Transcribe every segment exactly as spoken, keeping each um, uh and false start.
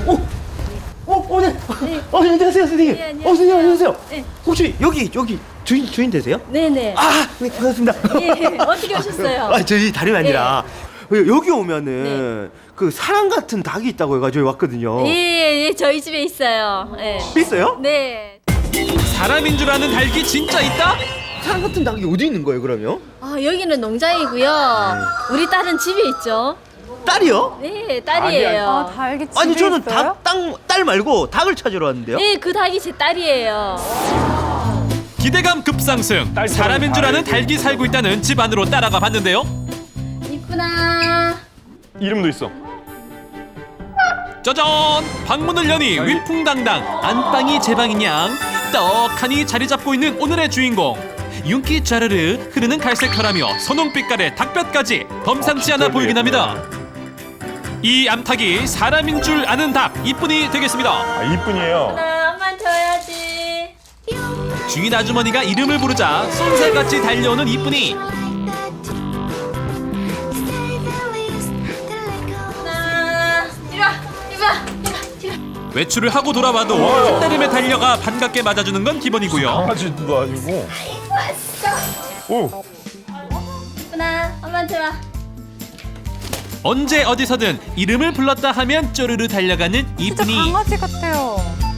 어, 어, 어, 네. 어, 네, 안녕하세요, 선생님. 네, 안녕하세요. 어, 선생님, 안녕하세요. 네. 혹시 여기, 여기 주인, 주인 되세요? 네네. 아, 네, 반갑습니다. 예, 어떻게 오셨어요? 아, 저희 다름이 아니라 여기 오면은 그 사람 같은 닭이 있다고 해가지고 왔거든요. 예, 예, 저희 집에 있어요. 예. 있어요? 네. 사람인 줄 아는 닭이 진짜 있다? 사람 같은 닭이 어디 있는 거예요, 그러면? 아, 여기는 농장이고요. 우리 딸은 집에 있죠. 딸이요? 네, 딸이에요. 아, 닭이 집에 아니, 저는 있어요? 닭, 땅, 딸 말고 닭을 찾으러 왔는데요. 네, 그 닭이 제 딸이에요. 기대감 급상승. 사람인 줄 아는 닭이 살고 있다는 집 안으로 따라가 봤는데요. 이쁘나. 이름도 있어. 짜잔! 방문을 여니 위풍당당 안방이 제 방인 양 떡하니 자리 잡고 있는 오늘의 주인공. 윤기 짜르르 흐르는 갈색 털하며 선홍빛깔의 닭뼈까지 범상치 않아 보이긴 합니다. 이 암탉이 사람인 줄 아는 닭 이쁜이 되겠습니다. 아, 이쁜이에요. 나 한번 줘야지. 주인 아주머니가 이름을 부르자 쏜살같이 달려오는 이쁜이. 나 이리 와, 이리 와, 이리 와, 이리 와. 외출을 하고 돌아와도 한달음에 달려가 반갑게 맞아주는 건 기본이고요. 강아지도 아니고. 오, 이쁘나, 엄마한테 와. 언제 어디서든 이름을 불렀다 하면 쪼르르 달려가는 진짜 이쁜이. 강아지 같아요.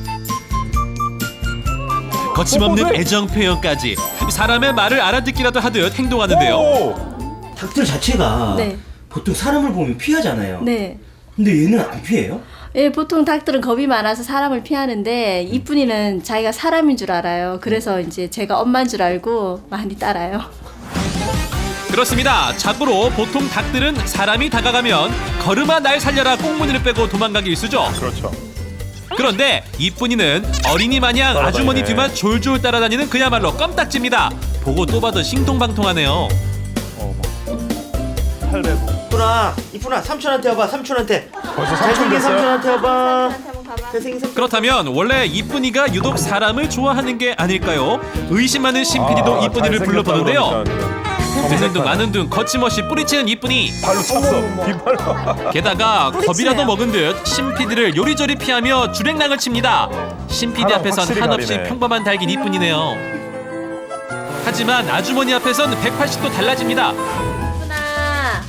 거침없는 애정 표현까지 사람의 말을 알아듣기라도 하듯 행동하는데요. 오. 닭들 자체가 네. 보통 사람을 보면 피하잖아요. 네. 근데 얘는 안 피해요? 예, 보통 닭들은 겁이 많아서 사람을 피하는데 이쁜이는 자기가 사람인 줄 알아요. 그래서 이제 제가 엄마인 줄 알고 많이 따라요. 그렇습니다. 자고로 보통 닭들은 사람이 다가가면 걸음아 날 살려라 꽁무니를 빼고 도망가기 일쑤죠. 그렇죠. 그런데 이쁜이는 어린이 마냥 따라다니네. 아주머니 뒤만 졸졸 따라다니는 그야말로 껌딱지입니다. 보고 또 봐도 싱통방통하네요. 어, 팔레도. 이쁘나, 이쁘나, 삼촌한테 와봐, 삼촌한테. 벌써 삼촌 잘생긴 됐어요? 삼촌한테 와봐. 잘생긴 삼촌. 그렇다면 원래 이쁜이가 유독 사람을 좋아하는 게 아닐까요? 의심 많은 신피디도 아, 이쁜이를 불러보는데요. 잘생겼다 되는 둥 그러니까. 마는 둥 거침없이 뿌리치는 이쁜이. 발로 찼어. 뒷발로. 게다가 겁이라도 먹은 듯 신피디를 요리조리 피하며 주랭랑을 칩니다. 신피디 사람 앞에선 확실히 한없이 가리네. 평범한 닭인 이쁜이네요. 하지만 아주머니 앞에선 백팔십 도 달라집니다. 이쁘나.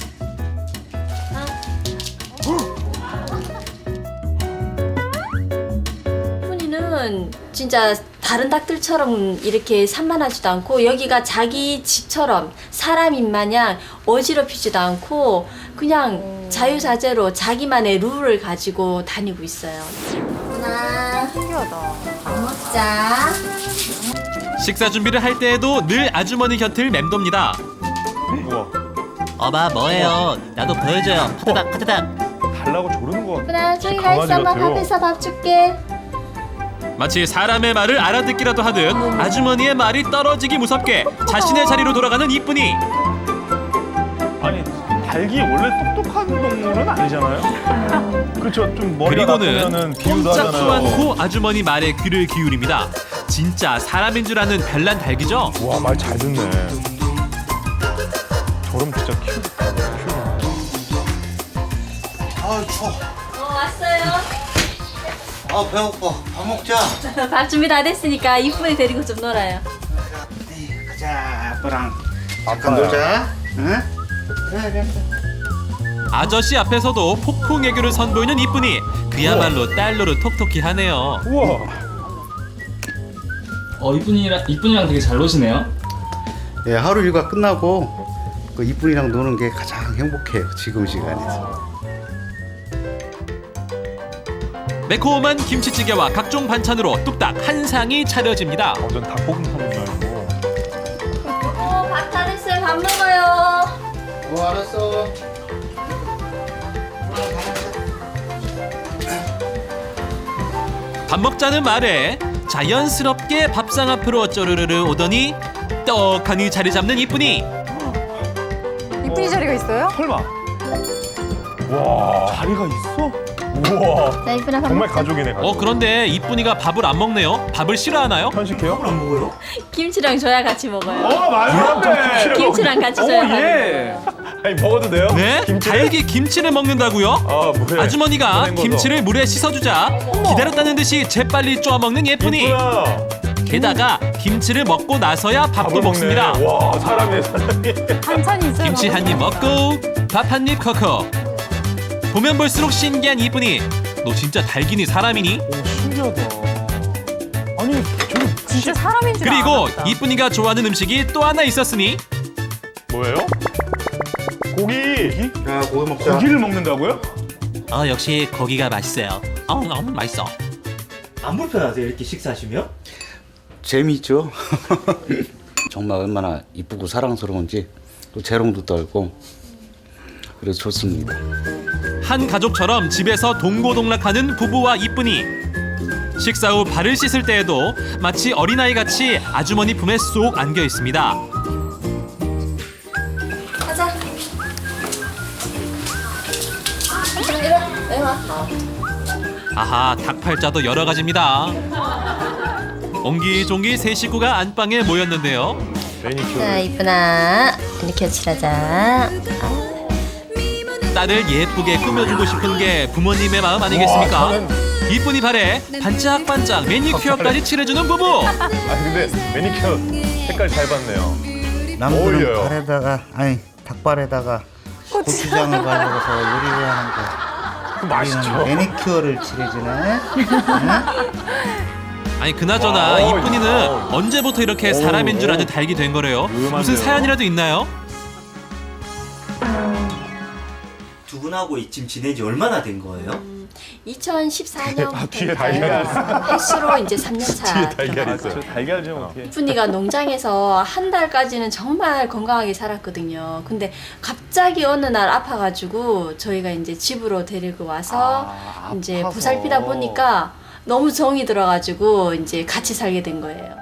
이쁜이는 진짜 다른 닭들처럼 이렇게 산만하지도 않고 여기가 자기 집처럼 사람인 마냥 어지럽히지도 않고 그냥 자유자재로 자기만의 룰을 가지고 다니고 있어요. 이쁘나. 신기하다. 밥 먹자. 식사 준비를 할 때에도 늘 아주머니 곁을 맴돕니다. 우와. 어마 뭐예요? 나도 보여줘요. 파타닥 파타닥. 달라고 조르는 거 같아. 이쁘나 저기 가 강아지 있어. 엄마 같아요. 밥에서 밥 줄게. 마치 사람의 말을 알아듣기라도 하듯 아주머니의 말이 떨어지기 무섭게 자신의 자리로 돌아가는 이쁜이. 아니, 닭이 원래 똑똑한 동물은 아니잖아요. 그렇죠. 좀 머리가 그리고는 나쁘면은 비유도 꼼짝도 하잖아요. 않고 아주머니 말에 귀를 기울입니다. 진짜 사람인 줄 아는 별난 닭이죠. 와, 말 잘 듣네. 저럼 진짜 키우겠다. 아, 추워. 어 왔어요. 아, 배고파. 밥 먹자. 밥 준비 다 됐으니까 이쁜이 데리고 좀 놀아요. 에이, 가자, 아빠랑. 아빠야. 놀자. 응? 그래, 그래. 아저씨 앞에서도 폭풍 애교를 선보이는 이쁜이. 그야말로 딸로를 톡톡히 하네요. 우와. 어 이쁜이랑 이쁜이랑 되게 잘 노시네요. 예, 하루 일과 끝나고 그 이쁜이랑 노는 게 가장 행복해요. 지금 시간에서. 매콤한 김치찌개와 각종 반찬으로 뚝딱 한 상이 차려집니다. 완전 닭볶음 하는 줄 알고. 어, 밥 다 됐어요. 밥 먹어요. 어, 알았어. 밥 먹자는 말에 자연스럽게 밥상 앞으로 쪼르르르 오더니 떡하니 자리 잡는 이쁜이. 이쁜이 자리가 있어요? 설마. 와. 자리가 있어? 우와. 자, 이쁜아 밥 정말 먹자. 가족이네. 가족. 어 그런데 이쁜이가 밥을 안 먹네요. 밥을 싫어하나요? 편식해요? 안 먹어요? 김치랑 줘야 같이 먹어요. 어 맞네. 김치랑 같이 줘야 같이 예. 아니 먹어도 돼요? 네? 김치를? 달기 김치를 먹는다고요? 아 뭐야? 아주머니가 보낸 거죠? 김치를 물에 씻어주자 기다렸다는 듯이 재빨리 쪼아먹는 예쁜이. 이쁘다. 게다가 김치를 먹고 나서야 밥도 밥을 먹습니다. 먹네. 와 사람이네 사람이. 반찬이 있어요. 김치 한 입 먹고 밥 한 입 컥컥. 보면 볼수록 신기한 이쁜이. 너 진짜 달기니 사람이니? 오 신기하다. 아니 저기 진짜 사람인 줄 그리고 알았다. 이쁜이가 좋아하는 음식이 또 하나 있었으니 뭐예요? 고기. 야 고기 먹자. 고기를 먹는다고요? 어 역시 고기가 맛있어요. 어 너무 맛있어. 안 불편하세요 이렇게 식사하시면? 재미있죠. 정말 얼마나 이쁘고 사랑스러운지 또 재롱도 떨고 그래서 좋습니다. 한 가족처럼 집에서 동고동락하는 부부와 이쁜이. 식사 후 발을 씻을 때에도 마치 어린아이같이 아주머니 품에 쏙 안겨 있습니다. 가자. 이리 와. 이리 와. 아하, 닭팔자도 여러 가지입니다. 옹기종기 세 식구가 안방에 모였는데요. 매니큐어. 자, 이쁜아. 이렇게 칠하자. 딸을 예쁘게 꾸며주고 싶은 게 부모님의 마음 아니겠습니까? 이쁜이 발에 반짝반짝 매니큐어까지 칠해주는 부부. 아 근데 매니큐어 색깔 잘 봤네요. 남들은 어울려요. 발에다가 아니 닭발에다가 고추장을 발라서 요리를 하는데 그 맛있죠. 매니큐어를 칠해주네. 아니 그나저나 와, 이쁜이는 어. 언제부터 이렇게 사람인 줄 아는 닭이 된 거래요? 무슨 위험한데요? 사연이라도 있나요? 두 분하고 지금 지낸 지 얼마나 된 거예요? 이천십사 년부터 아, 뒤에 달걀 횟수로 이제 삼 년 차. 뒤에 달걀 있어요. 달걀 좀 어떻게? 이쁜이가 농장에서 한 달까지는 정말 건강하게 살았거든요. 근데 갑자기 어느 날 아파가지고 저희가 이제 집으로 데리고 와서 아, 이제 아파서. 보살피다 보니까 너무 정이 들어가지고 이제 같이 살게 된 거예요.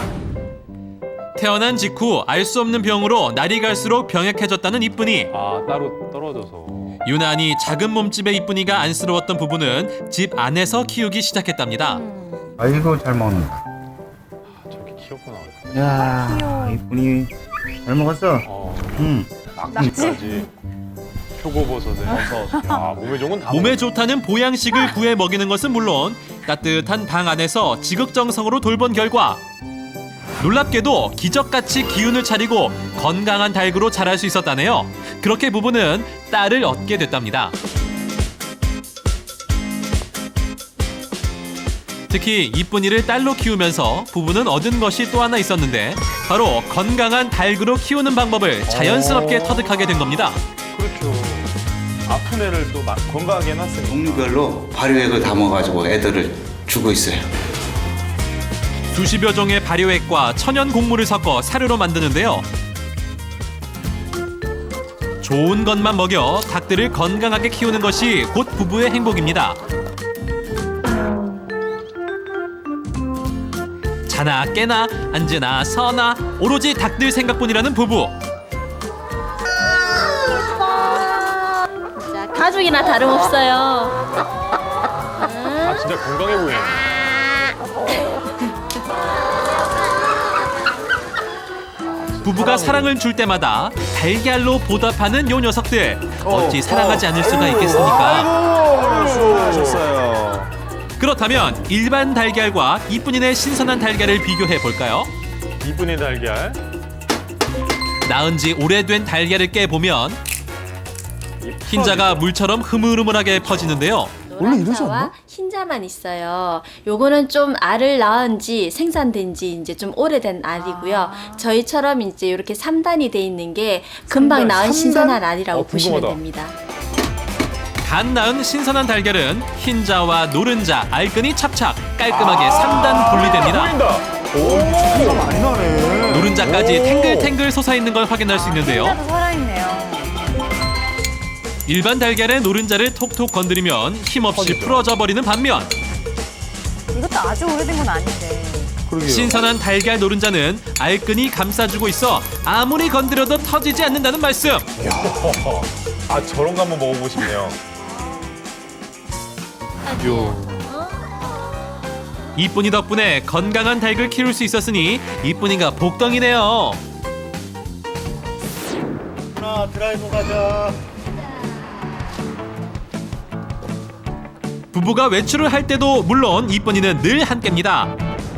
태어난 직후 알 수 없는 병으로 날이 갈수록 병약해졌다는 이쁜이. 아 따로 떨어져서. 유난히 작은 몸집의 이쁜이가 안쓰러웠던 부부는 집 안에서 키우기 시작했답니다. 아이고 잘 먹는다. 아, 저기 귀엽구나. 야 이쁜이 잘 먹었어. 어. 응. 낙지까지. 표고버섯에. 야 몸에 좋은 건 다. 몸에 좋다는 보양식을 구해 먹이는 것은 물론 따뜻한 방 안에서 지극정성으로 돌본 결과 놀랍게도 기적같이 기운을 차리고 건강한 닭으로 자랄 수 있었다네요. 그렇게 부부는 딸을 얻게 됐답니다. 특히 이쁜이를 딸로 키우면서 부부는 얻은 것이 또 하나 있었는데 바로 건강한 닭으로 키우는 방법을 자연스럽게 터득하게 된 겁니다. 그렇죠. 아픈 애를 또 막 건강하게 해놨으니까. 종류별로 발효액을 담아가지고 애들을 주고 있어요. 수십여 종의 발효액과 천연 곡물을 섞어 사료로 만드는데요. 좋은 것만 먹여 닭들을 건강하게 키우는 것이 곧 부부의 행복입니다. 자나 깨나 앉으나 서나 오로지 닭들 생각뿐이라는 부부. 자, 가족이나 다름없어요. 아 진짜 건강해 보이네. 부부가 사랑을 줄 때마다 달걀로 보답하는 요 녀석들. 어찌 사랑하지 않을 수가 있겠습니까? 수고하셨어요. 그렇다면 일반 달걀과 이쁜이네 신선한 달걀을 비교해 볼까요? 이쁜이 달걀. 낳은 지 오래된 달걀을 깨보면 흰자가 물처럼 흐물흐물하게 퍼지는데요. 노란자와 흰자만 있어요. 요거는 좀 알을 낳은 지 생산된 지 이제 좀 오래된 알이고요. 저희처럼 이제 이렇게 삼 단이 돼 있는 게 금방 삼 단, 낳은 삼 단? 신선한 알이라고 어, 보시면 궁금하다. 됩니다. 갓 낳은 신선한 달걀은 흰자와 노른자, 알끈이 찹찹 깔끔하게 삼 단 분리됩니다. 보인다. 오, 차이가 많이 나네. 노른자까지 오. 탱글탱글 솟아있는 걸 확인할 수 있는데요. 진짜도 살아있네요. 일반 달걀의 노른자를 톡톡 건드리면 힘없이 퍼지죠. 풀어져 버리는 반면 이것도 아주 오래된 건 아닌데. 그러게요. 신선한 달걀 노른자는 알끈이 감싸주고 있어 아무리 건드려도 터지지 않는다는 말씀. 아 저런 거 한번 먹어보고 싶네요. 이쁜이 덕분에 건강한 닭을 키울 수 있었으니 이쁜이가 복덩이네요. 하나 드라이브 가자. 부부가 외출을 할 때도 물론 이쁜이는 늘 함께입니다.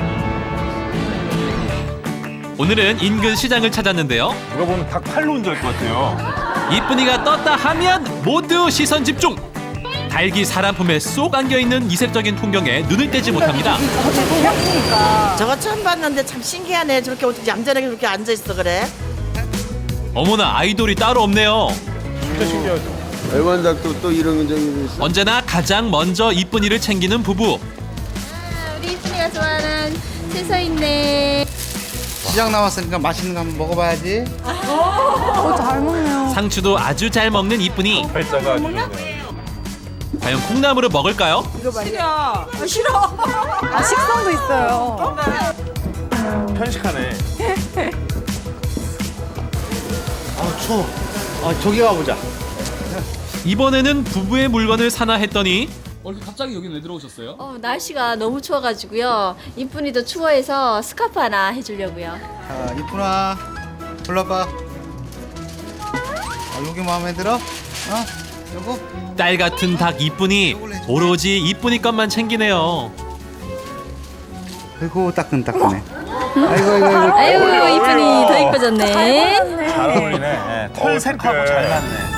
오늘은 인근 시장을 찾았는데요. 누가 보면 닭 팔로 온 줄 알 것 같아요. 이쁜이가 떴다 하면 모두 시선 집중. 닭이 사람 품에 쏙 안겨있는 이색적인 풍경에 눈을 떼지 못합니다. 저거 처음 봤는데 참 신기하네. 저렇게 어떻게 얌전하게 그렇게 앉아 있어 그래? 어머나 아이돌이 따로 없네요. 진짜 신기하죠. 애완닭도 또 이런 적이 있어. 언제나 가장 먼저 이쁜이를 챙기는 부부. 우리 이쁜이가 좋아하는 채소 있네. 시장 나왔으니까 맛있는 거 한번 먹어봐야지. 어, 잘 먹네요. 상추도 아주 잘 먹는 이쁜이. 팔자가 아주 좋네요. 과연 콩나물을 먹을까요? 아, 식성도 있어요. 편식하네. 아 추워. 아 저기 가보자. 이번에는 부부의 물건을 사나 했더니 어, 이렇게 갑자기 여긴 왜 들어오셨어요? 어, 날씨가 너무 추워가지고요. 이쁜이도 추워해서 스카프 하나 해주려고요. 자, 이쁜아, 불러봐. 아, 여기 마음에 들어? 어? 요거? 딸 같은 닭 이쁜이 오로지 이쁜이 것만 챙기네요. 아이고 따끈따끈해. 아이고 아이고 아이고. 아유, 이쁜이 더 이뻐졌네. 잘 어울리네. 네, 털색하고 잘 맞네.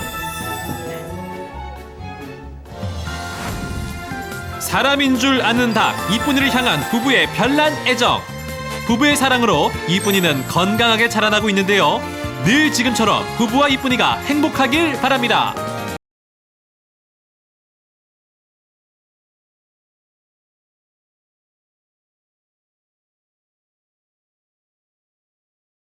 사람인 줄 아는 닭 이쁜이를 향한 부부의 별난 애정. 부부의 사랑으로 이쁜이는 건강하게 자라나고 있는데요. 늘 지금처럼 부부와 이쁜이가 행복하길 바랍니다.